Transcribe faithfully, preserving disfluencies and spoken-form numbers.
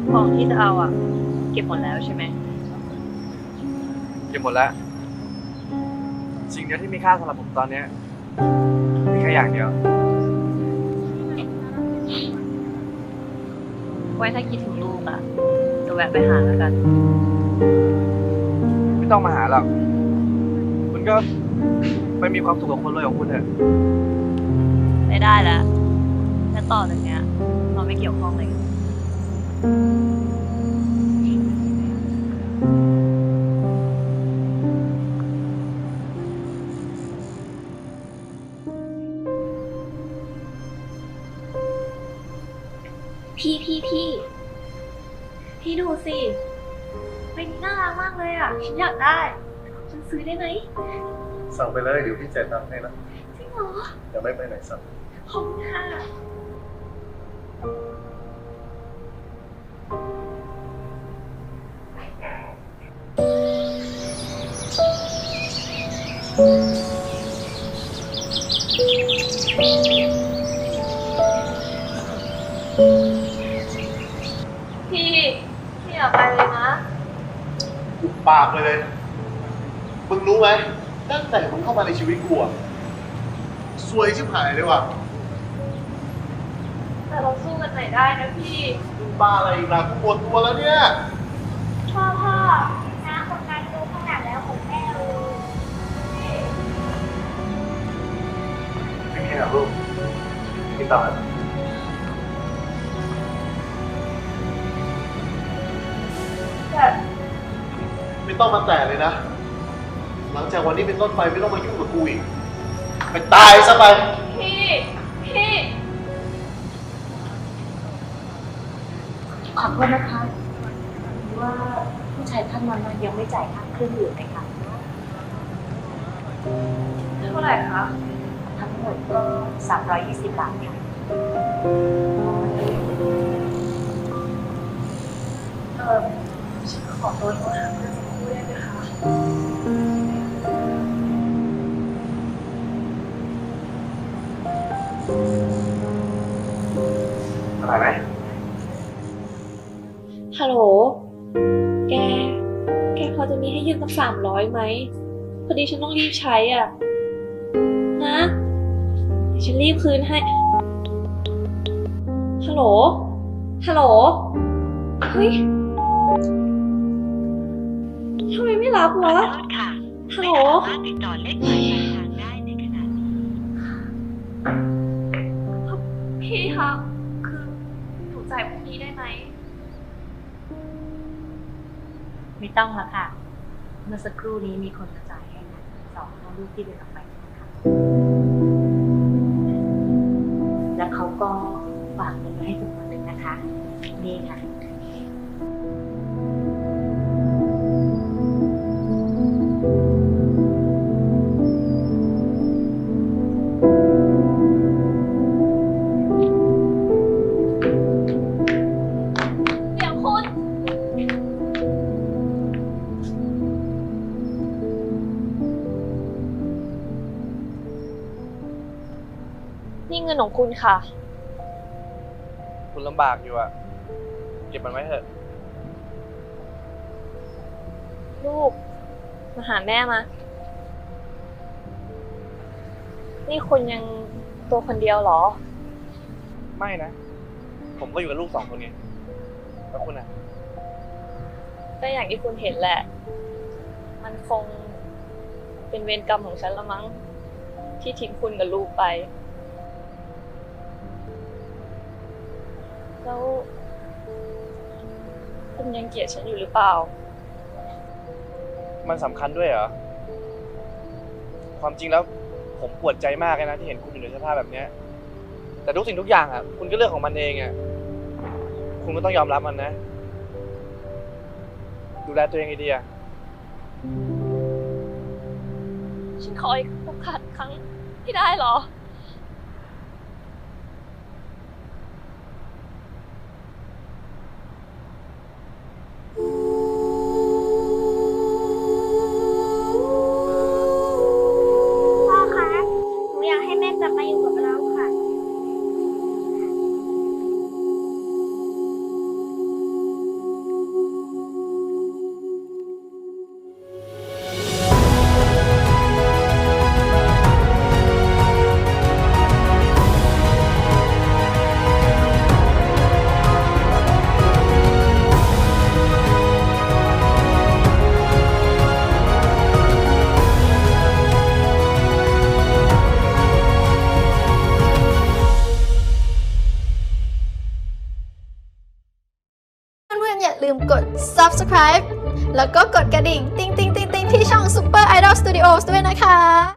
ของที่จะเอาอ่ะเก็บหมดแล้วใช่ไหมเก็บหมดแล้วสิ่งเดียวที่มีค่าสำหรับผมตอนนี้มีแค่อย่างเดียวไว้ถ้าคิดถึงลูกอ่ะจะแวะไปหาแล้วกันไม่ต้องมาหาหรอกคุณก็ไปมีความสุขกับคนรวยของคุณเถอะไม่ได้แล้วและต่อจากเนี้ยเราไม่เกี่ยวข้องเลยพี่พี่พี่พี่ดูสิเป็นน่ารักมากเลยอ่ะฉันอยากได้ฉันซื้อได้ไหมสั่งไปเลยเดี๋ยวพี่จ่ายตังค์ให้นะจริงเหรอจะไม่ไปไหนสั่งขอบคุณค่ะพี่พี่อย่าไปเลยนะอุบปากไปเลยมึงรู้ไหมตั้งแต่มึงเข้ามาในชีวิตกูอะซวยชิบหายเลยว่ะแต่เราสู้กันไหนได้นะพี่มึงบ้าอะไรอีกล่ะกูปวดตัวแล้วเนี่ยพ่อพ่อน้าคนนั้นดูขนาดแล้วของแม่เลยไม่มีนะลูกพี่ต่อแบบไม่ต้องมาแตะเลยนะหลังจากวันนี้เป็นต้นไปไม่ต้องมายุ่งกับกูอีกไปตายซะไปพี่พี่ขอโทษนะคะว่าผู้ชายท่านนั้นยังไม่จ่ายค่าเครื่องดื่มไหมคะเท่าไหร่คะทั้งหมดก็สามร้อยยี่สิบบาทค่ะเออฉันขอตัวโทรหาเพื่อนสักครู่ได้ไหมคะอะไรไหมฮัลโหลแกแกพอจะมีให้ยืมสักสามร้อยไหมพอดีฉันต้องรีบใช้อ่ะนะเดี๋ยวฉันรีบคืนให้ฮัลโหลฮัลโหลเฮ้ยทำไมไม่รับวะฮัลโหลติดต่อเลขหมายปลายทางได้ในขณะนี้พี่คะคือหนูจ่ายพรุ่งนี้ได้ไหมไม่ต้องแล้วค่ะเมื่อสักครู่นี้มีคนมาจ่ายให้นะสองพ่อลูกที่เดินออกไปนะคะแล้วเขาก็ฝากเงินไว้ให้จำนวนหนึ่งนะคะนี่ค่ะเดี๋ยวคุณนี่เงินของคุณค่ะคุณลำบากอยู่อะเก็บมันไว้เถอะลูกมาหาแม่มา นี่คุณยังตัวคนเดียวเหรอไม่นะผมก็อยู่กับลูกสองคนไงแล้วคุณอะก็อย่างที่คุณเห็นแหละ มันคงเป็นเวรกรรมของฉันละมั้งที่ทิ้งคุณกับลูกไป แล้วคุณยังเกลียดฉันอยู่หรือเปล่ามันสำคัญด้วยเหรอความจริงแล้วผมปวดใจมากเลยนะที่เห็นคุณอยู่ในสภาพแบบเนี้ยแต่ทุกสิ่งทุกอย่างอ่ะคุณก็เลือกของมันเองอ่ะคุณก็ต้องยอมรับมันนะดูแลตัวเองให้ดีอ่ะฉันขออีกโอกาสครั้งที่ได้เหรอพ่อคะหนูอยากให้แม่กลับมาอยู่กับเราค่ะพมกด ซับสไครบ์ แล้วก็กดกระดิ่ง ติ๊งติ๊งติ๊งติ๊งที่ช่อง Super Idol Studios ด้วยนะคะ